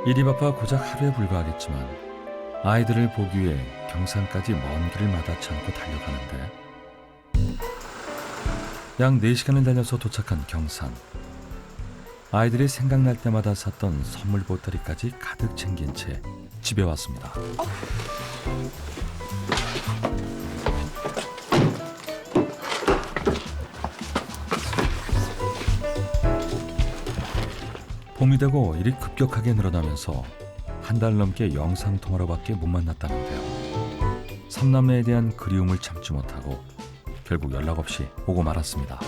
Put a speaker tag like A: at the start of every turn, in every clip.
A: 일이 바빠 고작 하루에 불과하겠지만 아이들을 보기 위해 경산까지 먼 길을 마다치 않고 달려가는데 약 4시간을 달려서 도착한 경산. 아이들이 생각날 때마다 샀던 선물 보따리까지 가득 챙긴 채 집에 왔습니다. 봄이 되고 일이 급격하게 늘어나면서 한 달 넘게 영상통화로밖에 못 만났다는데요. 삼남매에 대한 그리움을 참지 못하고 결국 연락 없이 오고 말았습니다.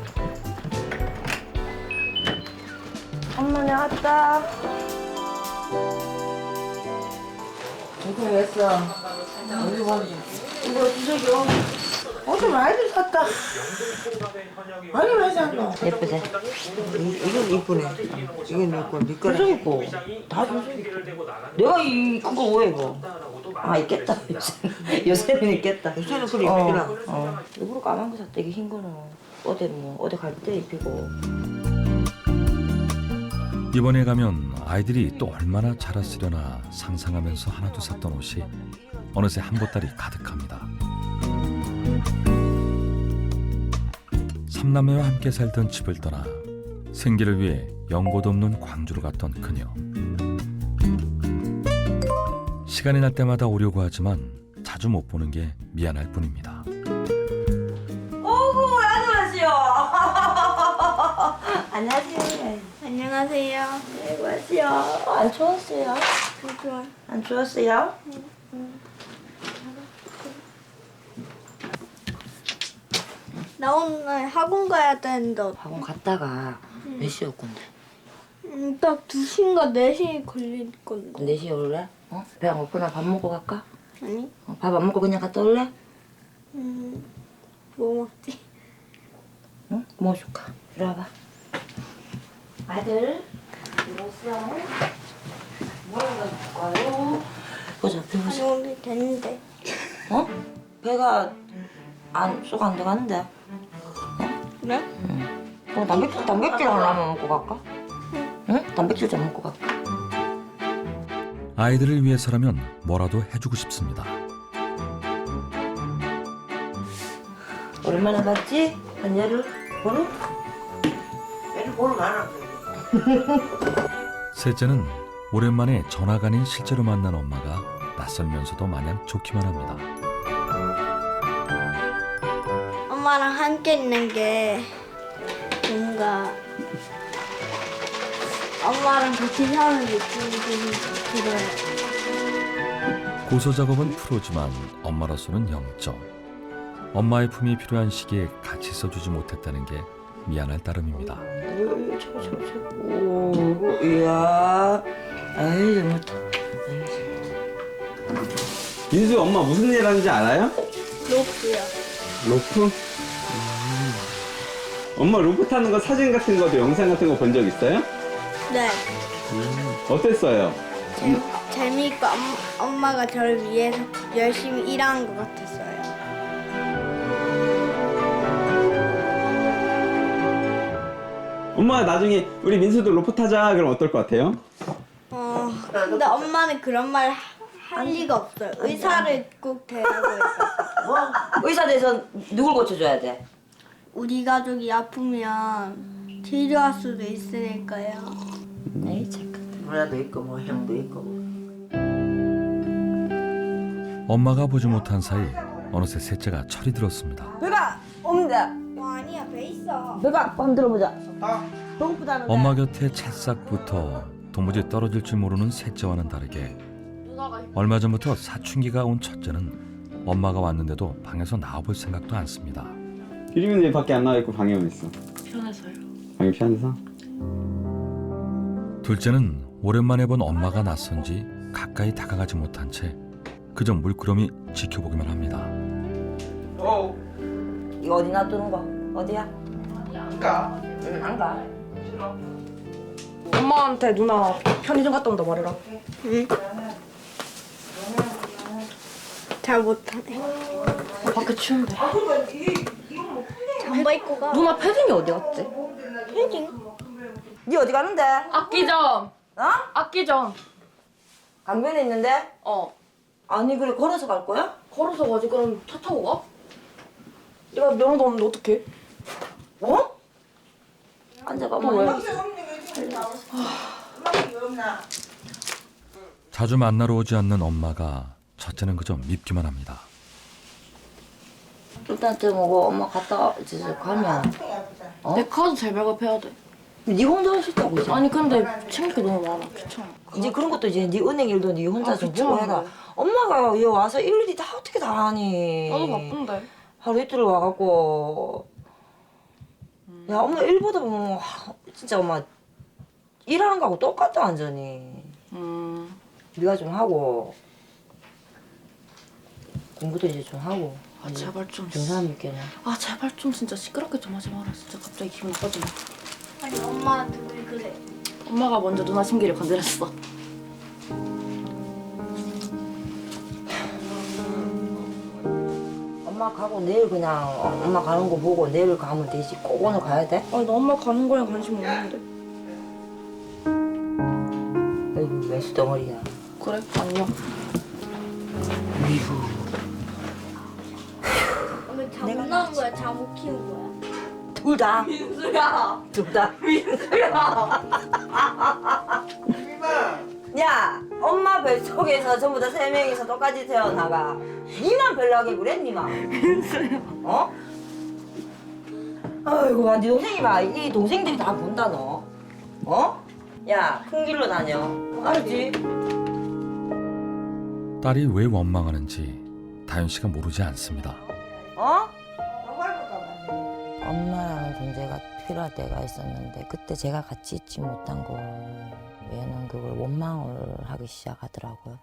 B: 엄마 내 왔다. 이거 왜 했어? 이거 주석이요. 어제 많이들 샀다. 많이 많이 샀노.
C: 예쁘지?
B: 이건 이쁘네. 이건 내 거, 네 거라. 주석이고. 다 주석이고. 내가 이 큰 거 왜 입어?
C: 아 있겠다. 요새는 있겠다.
B: 요새는 그래 입히라.
C: 일부러 까만 거 샀다. 이게 흰 거는 어디 갈 때 입히고.
A: 이번에 가면 아이들이 또 얼마나 자랐으려나 상상하면서 하나도 샀던 옷이 어느새 한 보따리 가득합니다. 삼남매와 함께 살던 집을 떠나 생계를 위해 연고도 없는 광주로 갔던 그녀. 시간이 날 때마다 오려고 하지만 자주 못 보는 게 미안할 뿐입니다.
C: 오구 안녕하세요. 안녕하세요.
D: 안녕하세요.
C: 안녕하세요. 안 추웠어요?
D: 좋아.
C: 안 추웠어요?
D: 나 오늘 학원 가야 되는데
C: 학원 갔다가 몇 시에 올 건데?
D: 딱 2시인가 4시 걸릴 건데.
C: 4시에 올래? 어? 배 안 고프나 밥 먹고 갈까?
D: 아니?
C: 밥 안 먹고 그냥 갔다 올래?
D: 뭐 먹지?
C: 응? 뭐 줄까? 이리 와봐. 아들, 이랬어? 뭐 먹을까요? 보자, 배
D: 아니
C: 보자.
D: 오늘 됐는데.
C: 어? 배가 쏙 안 들어가는데?
D: 그래?
C: 뭐 단백질 하나만 먹고 갈까? 응? 단백질 좀 먹고 갈까?
A: 아이들을 위해서라면 뭐라도 해주고 싶습니다.
C: 오랜만에 봤지? 한 열흘? 보름?
B: 얘는 보름 안 하고.
A: 셋째는 오랜만에 전화가 아닌 실제로 만난 엄마가 낯설면서도 마냥 좋기만 합니다.
D: 엄마랑 함께 있는 게 뭔가 엄마랑 같이 사는 느낌이 들어요.
A: 고소 작업은 프로지만 엄마로서는 0점. 엄마의 품이 필요한 시기에 같이 써주지 못했다는 게 미안할 따름입니다.
C: 오, 이야. 아이, 잘못다.
E: 민수 엄마 무슨 일 하는지 알아요?
D: 로프요.
E: 로프? 엄마 로프 타는 거 사진 같은 거도 영상 같은 거 본 적 있어요?
D: 네.
E: 어땠어요?
D: 재미있고 엄마가 저를 위해서 열심히 일하는 것 같았어요.
E: 엄마가 나중에 우리 민수도 로프 타자 그럼 어떨 것 같아요?
D: 근데 엄마는 그런 말 할 리가 없어요. 의사를 꼭 대라고 했어요.
C: 뭐? 의사 돼서 누굴 고쳐줘야 돼?
D: 우리 가족이 아프면 치료할 수도 있으니까요.
C: 에이, 잠깐.
B: 누나도 있고 뭐 형도 있고.
A: 엄마가 보지 못한 사이 어느새 셋째가 철이 들었습니다.
C: 배가 없는데.
D: 아니야, 배 있어.
C: 배가 한번 들어보자. 배고프다는데.
A: 엄마 곁에 찰싹부터 도무지 떨어질 줄 모르는 셋째와는 다르게 얼마 전부터 사춘기가 온 첫째는 엄마가 왔는데도 방에서 나와볼 생각도 않습니다.
E: 기림이는 왜 밖에 안 나와 있고 방에만 있어?
C: 편해서요.
E: 방이 피안해서?
A: 둘째는 오랜만에 본 엄마가 낯선지 가까이 다가가지 못한 채 그저 물끄러미 지켜보기만 합니다.
C: 이거 어디 놔두는 거? 어디야?
B: 안 가.
C: 응, 안 가.
F: 엄마한테 누나 편의점 갔다 온다 말해라.
D: 응. 잘 못하네.
F: 밖에 추운데.
D: 잠바 입고 가.
F: 누나 패딩이 어디 갔지?
D: 패딩?
C: 니 어디 가는데?
F: 악기점.
C: 어?
F: 악기점.
C: 강변에 있는데? 아니 그래 걸어서 갈 거야?
F: 걸어서 가지. 그럼 차 타고 가? 내가 면허도 없는데 어떡해?
C: 어? 앉아봐. 뭐 왜?
A: 자주 만나러 오지 않는 엄마가 첫째는 그저 밉기만 합니다.
C: 일단 좀 뭐 엄마 갔다 이제 가면
F: 내 카드 잘 발급해야 돼.
C: 네 혼자 할 수 있다고 이제.
F: 아니 근데 챙길 게 너무 많아. 귀찮아.
C: 이제 그런 것도 이제 네 은행 일도 네 혼자 좀 보고
F: 귀찮아.
C: 해라. 엄마가 여기 와서 일일이 다 어떻게 다 하니?
F: 나도 바쁜데.
C: 하루 이틀 와갖고 야 엄마 일보다 보면 진짜 엄마 일하는 거하고 똑같다 완전히. 네가 좀 하고 공부도 이제 좀 하고.
F: 아 제발 좀.
C: 사람 있겠네.
F: 아 제발 좀 진짜 시끄럽게 좀 하지 마라. 진짜 갑자기 기분 나빠지네.
D: 아니 엄마한테 왜 그래?
F: 엄마가 먼저 누나 심기를 건드렸어.
C: 엄마 가고 내일 그냥 엄마 가는 거 보고 내일 가면 되지. 꼭 오늘 가야 돼?
F: 아니 나 엄마 가는 거에 관심 없는데.
C: 아이고 매수 덩어리야.
F: 그래? 안녕.
D: 오늘 잠 나온 거야? 잠 못 키운 거야?
C: 둘 다.
F: 민수야.
C: 둘 다.
F: 민수야.
C: 야, 엄마 뱃속에서 전부 다 3명이서 똑같이 태어나가. 니만 별나게 그래, 니만. 민수야. 어? 아이고, 네 동생이 봐. 이 동생들이 다 본다, 너. 어? 야, 큰 길로 다녀. 알았지?
A: 딸이 왜 원망하는지 다현 씨가 모르지 않습니다.
C: 어? 엄마라는 존재가 필요할 때가 있었는데 그때 제가 같이 있지 못한 걸 얘는 그걸 원망을 하기 시작하더라고요.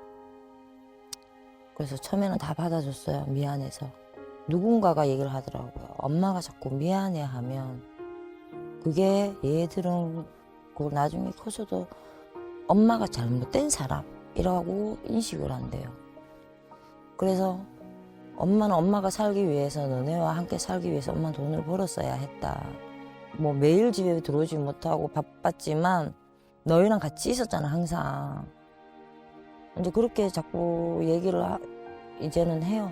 C: 그래서 처음에는 다 받아줬어요. 미안해서. 누군가가 얘기를 하더라고요. 엄마가 자꾸 미안해하면 그게 얘들은 그 나중에 커서도 엄마가 잘못된 사람이라고 인식을 한대요. 그래서 엄마는 엄마가 살기 위해서 너네와 함께 살기 위해서 엄마는 돈을 벌었어야 했다. 뭐 매일 집에 들어오지 못하고 바빴지만 너희랑 같이 있었잖아 항상. 이제 그렇게 자꾸 얘기를 이제는 해요.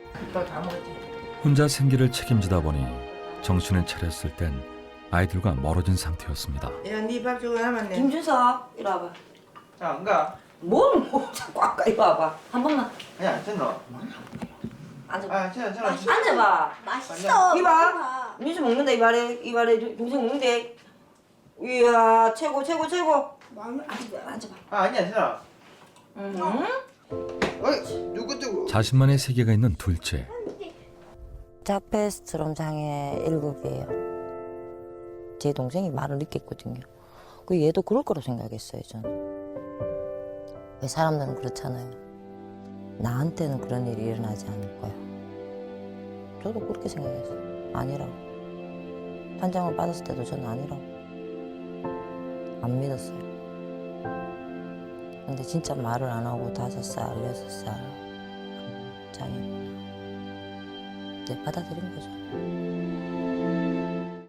A: 혼자 생계를 책임지다 보니 정신을 차렸을 땐 아이들과 멀어진 상태였습니다.
B: 야, 네밥 주고 남았네.
C: 김준석 이리 와봐.
G: 야, 안 가?
C: 뭘 자꾸 아까 이리 와봐. 한 번만
G: 야, 됐노?
C: 앉아봐.
G: 아, 괜찮아.
C: 앉아봐.
D: 맛있어.
C: 이봐. 민수 먹는다 이발에 동생 먹는데. 이야 최고. 앉아봐.
G: 아, 아니야, 괜찮아.
C: 응?
G: 어이, 누구 뜨고?
A: 자신만의 세계가 있는 둘째.
C: 자페스트롬 장애 1급이에요. 제 동생이 말을 늦게 했거든요. 그 얘도 그럴 거라고 생각했어요, 저는. 왜 사람들은 그렇잖아요. 나한테는 그런 일이 일어나지 않을 거야. 저도 그렇게 생각했어요. 아니라고. 판정을 받았을 때도 저는 아니라고. 안 믿었어요. 근데 진짜 말을 안 하고 5살, 6살 장애. 네, 받아들인 거죠.